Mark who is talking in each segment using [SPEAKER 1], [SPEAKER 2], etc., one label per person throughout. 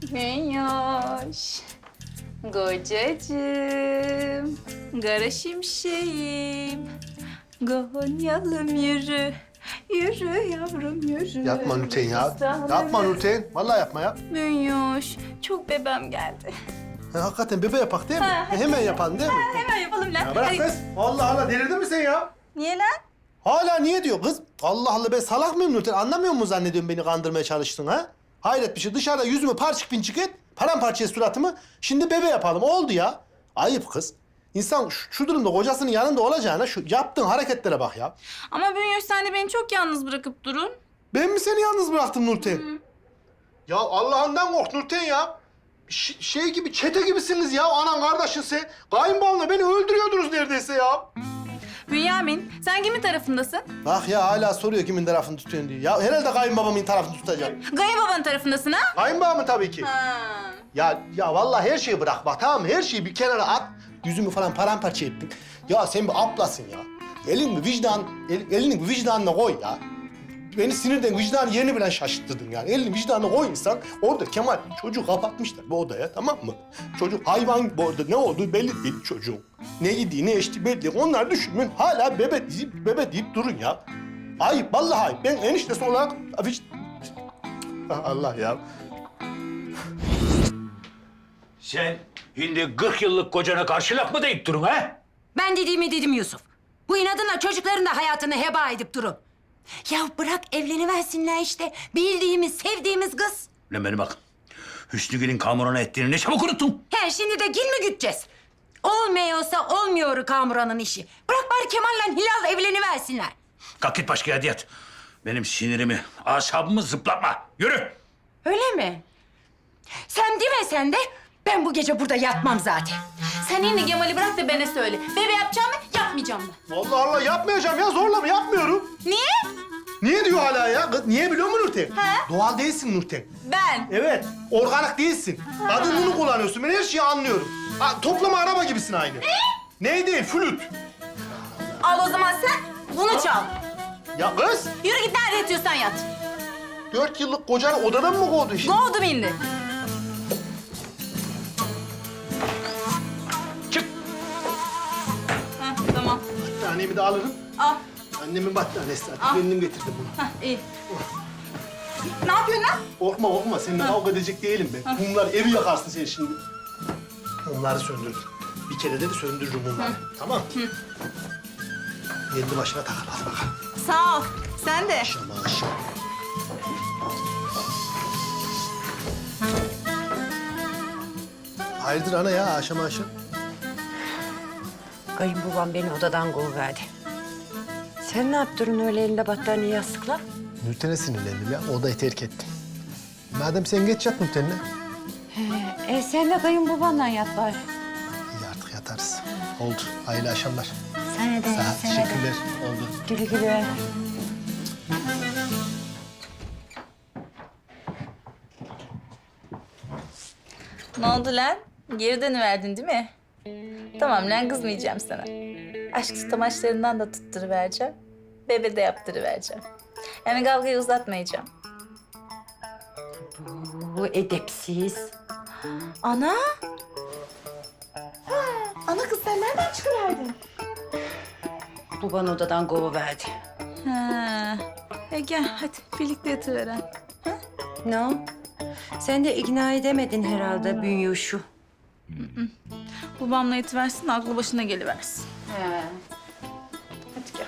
[SPEAKER 1] Minyoş. Kocacığım. Kara şimşeğim. Gonyalım yürü. Yürü yavrum yürü.
[SPEAKER 2] Yapma Nurten ya. Yapma Nurten. Vallahi yapma ya.
[SPEAKER 1] Minyoş. Çok bebem geldi.
[SPEAKER 2] Hakikaten bebe yapak değil mi? Hemen yapalım değil mi?
[SPEAKER 1] Hemen yapalım lan.
[SPEAKER 2] Ya bırak kız. Allah Allah delirdin mi sen ya?
[SPEAKER 1] Niye lan?
[SPEAKER 2] Hala niye diyor kız? Allah Allah ben salak mıyım Nurten? Anlamıyor musun zannediyorsun beni kandırmaya çalıştın ha? Hayret bir şey. Dışarıda yüzümü parçık pinçik et. Paramparça suratımı. Şimdi bebe yapalım. Oldu ya. Ayıp kız. İnsan şu durumda kocasının yanında olacağına şu yaptığın hareketlere bak ya.
[SPEAKER 1] Ama Bünyoş sen de beni çok yalnız bırakıp durun.
[SPEAKER 2] Ben mi seni yalnız bıraktım Nurten? Ya Allah'ından kork Nurten ya. Şey gibi, çete gibisiniz ya. Anan kardeşin sen. Kayınbabanla beni öldürüyordunuz neredeyse ya.
[SPEAKER 1] Bünyamin sen kimin tarafındasın?
[SPEAKER 2] Bak ya hala soruyor kimin tarafını tutuyorsun diye. Ya herhalde kayınbabamın tarafını tutacağım.
[SPEAKER 1] Gaya babanın tarafındasın ha?
[SPEAKER 2] Kayınbabamın tabii ki.
[SPEAKER 1] Ha.
[SPEAKER 2] Ya vallahi her şeyi bırak bak tamam mı? Her şeyi bir kenara at. Yüzümü falan paramparça ettin. Ya sen bir ablasın ya. Elini bir vicdanına koy ya. Beni sinirden vicdan yerini bile şaşırttırdın yani. Elini vicdanına koy insan. Orada Kemal çocuğu kapatmışlar bu odaya tamam mı? Çocuk hayvan gibi orada ne olduğu belli değil çocuğun. Ne yediği ne içtiği belli değil. Onlar düşünün hala bebe deyip durun ya. Ayıp vallahi ayıp. Ben eniştesi olarak... Allah ya.
[SPEAKER 3] Sen şimdi 40 yıllık kocana karşılık mı deyip durun ha?
[SPEAKER 4] Ben dediğimi dedim Yusuf. Bu inadına çocukların da hayatını heba edip durun. Ya bırak evleniversinler işte. Bildiğimiz, sevdiğimiz kız.
[SPEAKER 3] Lan beni bak. Hüsnü Kamuran'a ettiğini ne çabuk unuttun.
[SPEAKER 4] He şimdi de gil mi güteceğiz? Olmuyorsa olmuyor Kamuran'ın işi. Bırak bari Kemal'le Hilal evleniversinler.
[SPEAKER 3] Kalk git başka yerde yat. Benim sinirimi, asabımı zıplatma. Yürü.
[SPEAKER 4] Öyle mi? Sen demesen de ben bu gece burada yatmam zaten.
[SPEAKER 1] Sen yine Kemal'i bırak da bana söyle. Bebe yapacağım mı, yapmayacağım mı?
[SPEAKER 2] Allah Allah yapmayacağım ya zorla mı yapmıyorum.
[SPEAKER 1] Niye?
[SPEAKER 2] Niye diyor hala ya? Kız, niye biliyor musun Nurten?
[SPEAKER 1] He?
[SPEAKER 2] Doğal değilsin Nurten.
[SPEAKER 1] Ben.
[SPEAKER 2] Evet, organik değilsin. Adın bunu kullanıyorsun. Ben her şeyi anlıyorum. Ha, toplama araba gibisin aynı. Ne değil, flüt.
[SPEAKER 1] Al o zaman sen bunu çal.
[SPEAKER 2] Ya kız,
[SPEAKER 1] Yürü git nerede yatıyorsan yat.
[SPEAKER 2] 4 yıllık kocanı odadan mı kovdu?
[SPEAKER 1] Kovdum indi.
[SPEAKER 3] Çık.
[SPEAKER 1] Heh, tamam.
[SPEAKER 2] Battaniyemi de alırım.
[SPEAKER 1] Al.
[SPEAKER 2] Annemin battaniyesi zaten.
[SPEAKER 1] Al.
[SPEAKER 2] Kendim getirdim bunu.
[SPEAKER 1] Heh, iyi. Ne yapıyorsun lan?
[SPEAKER 2] Korkma. Seninle kavga edecek değilim ben. Mumlar evi yakarsın sen şimdi. Mumları söndürdüm. Bir kere de söndürürüm mumları. Tamam. Kendi başına takar. Hadi bakalım.
[SPEAKER 1] Sağ ol. Sen de.
[SPEAKER 2] Aşama. Hayırdır ana ya aşama.
[SPEAKER 4] Kayınbabam beni odadan kovuverdi. Sen ne yaptın öyle elinde battaniye yastıkla?
[SPEAKER 2] Nurten'e sinirlendim ya. Odayı terk ettim. Madem sen geç yat Nurten'le.
[SPEAKER 4] Sen de kayınbabanla yat bari.
[SPEAKER 2] İyi artık yatarız. Oldu. Hayırlı akşamlar.
[SPEAKER 4] Sana da,
[SPEAKER 2] Sağ ol. Teşekkürler. Oldu.
[SPEAKER 4] Güle güle.
[SPEAKER 1] Ne oldu lan? Geri dönüverdin değil mi? Tamam lan kızmayacağım sana. Aşk tutamaçlarından da tutturuvereceğim. Bebe de yaptırıvereceğim. Yani kavgayı uzatmayacağım.
[SPEAKER 4] Bu edepsiz.
[SPEAKER 1] Ana? Ha, ana kız sen nereden çıkıverdin?
[SPEAKER 4] Baban odadan kovuverdi.
[SPEAKER 1] Ha. Gel hadi birlikte yatıveren.
[SPEAKER 4] Ne o? Sen de ikna edemedin herhalde Bünyoş'u.
[SPEAKER 1] Babamla yatıversin de aklı başına geliversin.
[SPEAKER 4] He.
[SPEAKER 1] Hadi gel.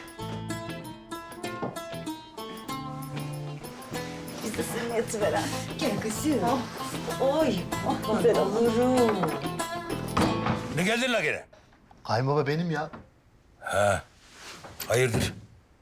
[SPEAKER 1] Biz de seninle yatıveren.
[SPEAKER 4] Gel kızım. Oy. Güzel olurum.
[SPEAKER 3] Ne geldin la gene?
[SPEAKER 2] Kayınbaba benim ya.
[SPEAKER 3] Hayırdır?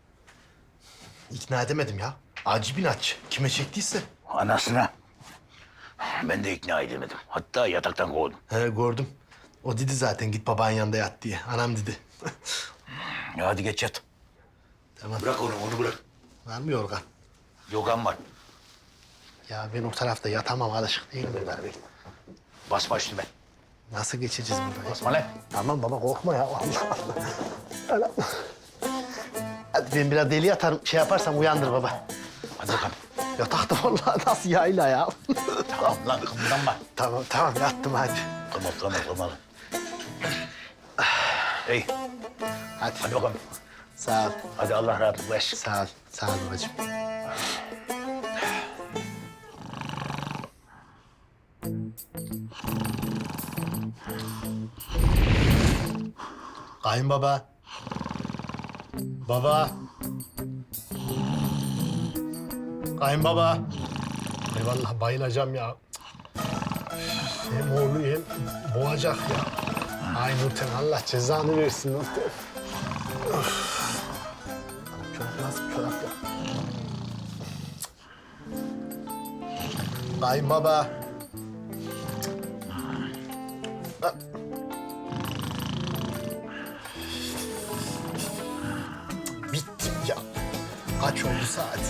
[SPEAKER 2] İkna edemedim ya. Acı inatçı. Kime çektiyse.
[SPEAKER 3] Anasına. Ben de ikna edemedim. Hatta yataktan kovdum.
[SPEAKER 2] He gördüm. O dedi zaten git babanın yanında yat diye. Anam dedi.
[SPEAKER 3] Ya hadi geç yat.
[SPEAKER 2] Tamam.
[SPEAKER 3] Bırak onu bırak.
[SPEAKER 2] Var mı yorgan?
[SPEAKER 3] Yogan var.
[SPEAKER 2] Ya ben o tarafta yatamam alışık değilim ben.
[SPEAKER 3] Basma üstüme.
[SPEAKER 2] Nasıl geçeceğiz burayı?
[SPEAKER 3] Basma lan.
[SPEAKER 2] Tamam baba korkma ya. Allah Allah. Hadi ben biraz deli yatarım. Şey yaparsam uyandır baba.
[SPEAKER 3] Hadi bakalım.
[SPEAKER 2] Yatakta vallahi nasıl yayla ya.
[SPEAKER 3] Tamam lan kımıldanma.
[SPEAKER 2] Tamam yattım hadi.
[SPEAKER 3] Tamam. İyi.
[SPEAKER 2] Hadi.
[SPEAKER 3] Hadi bakalım.
[SPEAKER 2] Sağ ol.
[SPEAKER 3] Hadi Allah rahatlık versin.
[SPEAKER 2] Sağ ol babacığım. Kayınbaba. Baba. Kayınbaba. Ay vallahi bayılacağım ya. Hem oğlu hem boğacak ya. Ay Nurten Allah cezanı versin Nurten. Çorap nasıl çorap ya? Kayınbaba. Bittim ya. Kaç oldu saat?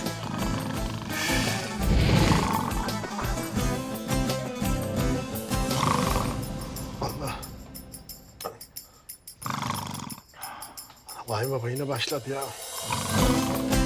[SPEAKER 2] Allah. Kayınbaba yine başladı ya.